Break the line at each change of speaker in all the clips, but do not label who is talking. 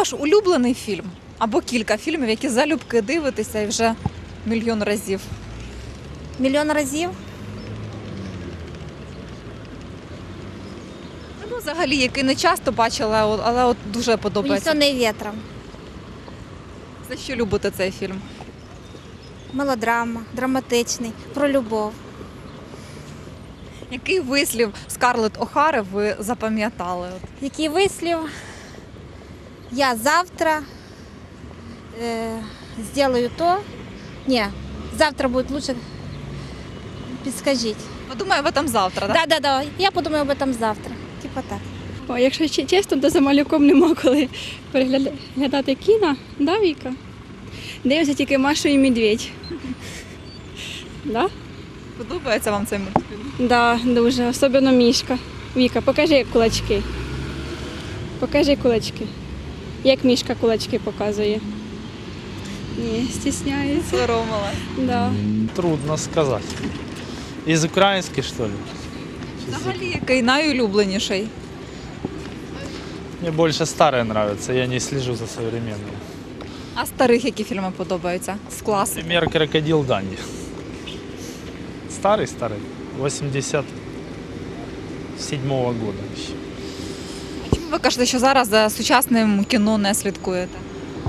ваш улюблений фільм або кілька фільмів, які залюбки дивитеся і вже мільйон разів?
Мільйон разів.
Ну, взагалі, який не часто бачила, але от дуже подобається.
«Унесений вітром».
За що любите цей фільм?
Мелодрама, драматичний, про любов.
Який вислів Скарлетт О'Хари ви запам'ятали?
Який вислів? Я завтра сделаю то. Ні, завтра буде лучше. Підскажіть.
Подумаю об этом завтра, так?
Да. Я подумаю об этом завтра. Типа так.
О, якщо чесно, то за малюком нема коли переглядати кіно, да, Віка? Дивимося тільки Машу і Медведь. Да?
Подобається вам цей мультфільм?
Да, дуже, особливо Мішка. Віка, покажи кулачки. Покажи кулачки. Як Мішка кулачки показує. Ні, стісняється.
Соромила.
Да.
Трудно сказать. Из украинских, что ли?
Взагалі, який найулюбленіший?
Мне больше старые нравятся, я не слежу за современными.
А старих які фільми подобаються? З класики?
Например, «Крокодил Данди». Старый, 87-го года еще.
Чому ви кажете, що зараз за сучасним кіно не слідкуєте?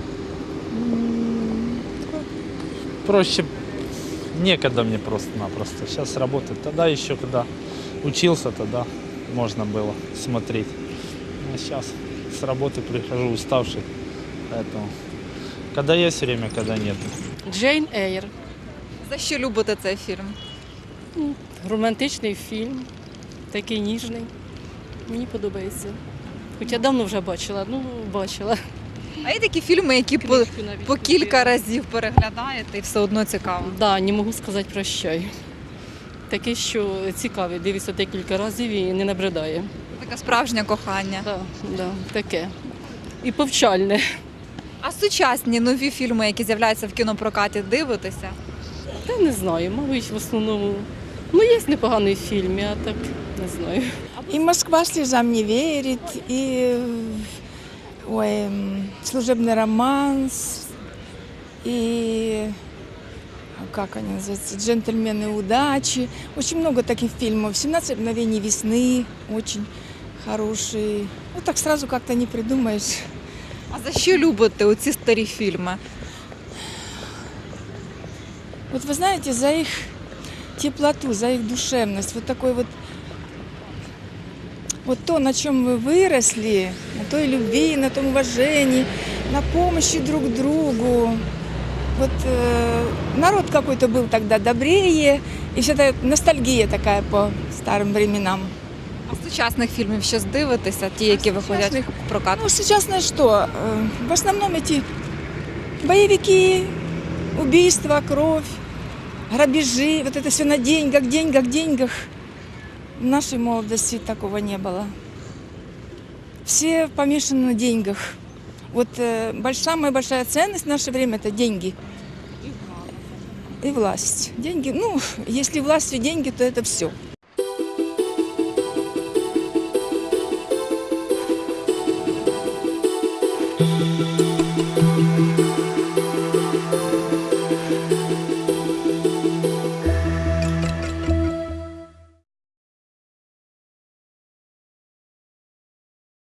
Проще, некогда мне просто-напросто. Сейчас работать. Тогда еще, когда учился, тогда можно было смотреть. А сейчас с работы прихожу уставший. Поэтому, когда есть время, когда нет.
Джейн Ейр.
За що любите цей фільм?
Романтичний фільм, такий ніжний. Мені подобається. Хоча давно вже бачила, бачила.
А є такі фільми, які
Книжку навіть
по кілька
купила.
разів переглядаєте і все одно цікаво.
Да, не можу сказати прощай. Таке, що цікавий, дивишся декілька разів і не набридає.
Таке справжнє кохання.
Да, таке. І повчальне.
А сучасні нові фільми, які з'являються в кінопрокаті, дивитеся?
Та не знаю, мабуть, в основному. Є непоганий фільм, а так не знаю.
И «Москва слезам не верит», и «Служебный романс», и как они называются, «Джентльмены удачи». Очень много таких фильмов. «17 мгновений весны» очень хороший. Вот так сразу как-то не придумаешь.
А за що любите оці старі фільми?
Вот вы знаете, за их теплоту, за их душевность, вот такой вот то, на чем вы выросли, на той любви, на том уважении, на помощи друг другу. Вот народ какой-то был тогда добрее, и вся эта ностальгия такая по старым временам.
А сучасних фільмів щось дивитеся, ті, які виходять
сучасних?
в прокат?
Ну, сейчас что? В основном эти боевики, убийства, кровь, грабежи, вот это все на деньгах, деньгах. В нашей молодости такого не было. Все помешаны на деньгах. Вот самая большая ценность в наше время – это деньги. И власть. Деньги, если власть и деньги, то это все.